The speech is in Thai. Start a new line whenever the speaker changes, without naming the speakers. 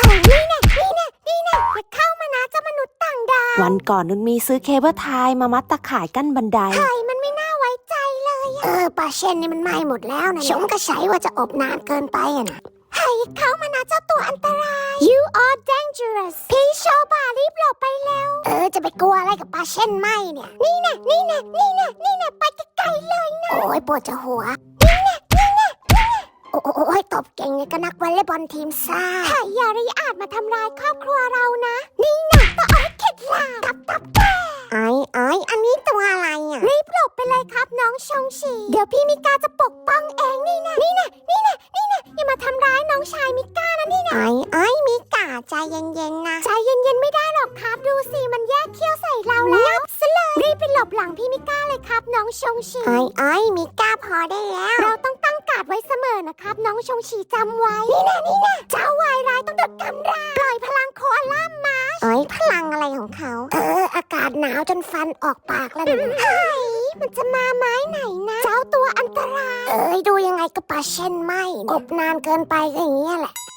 อย่าเข้ามานะเจ้ามนุษย์ต่างดาว
วันก่อนนุชมีซื้อเคเบิลไทยมามัดตะข่ายกั้นบันได
มันไม่น่าไว้ใจเลยปลาเช่นนี่มันไหม้หมดแล้วนะชมก็ใช้ว่าจะอบนานเกินไปอะนะเข้ามานะเจ้าตัวอันตราย You are dangerous พี่โชบารีบหลบไปแล้วจะไปกลัวอะไรกับปลาเช่นไหมเนี่ยนี่นะไปไกลๆเลยนะโอ้ยปวดจะหัวโอ้ยตบเก่งเลยก็นักวอลเลย์บอลทีมซ่าอย่าริอาจมาทำร้ายครอบครัวเรานะนี่นะก็เอาให้เข็ดหลาบตับไอ้อันนี้ตัวอะไรอ่ะรีบหลบไปเลยครับน้องชงชีเดี๋ยวพี่มิก้าจะปกป้องเองนี่นะอย่ามาทำร้ายน้องชายมิก้านะนี่นะไอ้มิก้าใจเย็นๆนะใจเย็นๆไม่ได้หรอกครับดูสิมันแยกเขี้ยวใส่เราแล้วซะเลยรีบไปหลบหลังพี่มิก้าเลยครับน้องชงชีไอ้มิก้าพอได้แล้วเราต้องตั้งการ์ดไว้เสมอนะครับน้องชงชีจำไว้นี่นะเจ้าวายร้ายต้องโดนกำราปล่อยพลังโคอาล่ามาพลังอะไรของเขาอากาศหนาวจนฟันออกปากแล้วมันจะมาไม้ไหนนะเจ้าตัวอันตรายดูยังไงก็ปลาเช่นไหมอบนานเกินไปก็อย่างเงี้ยแหละ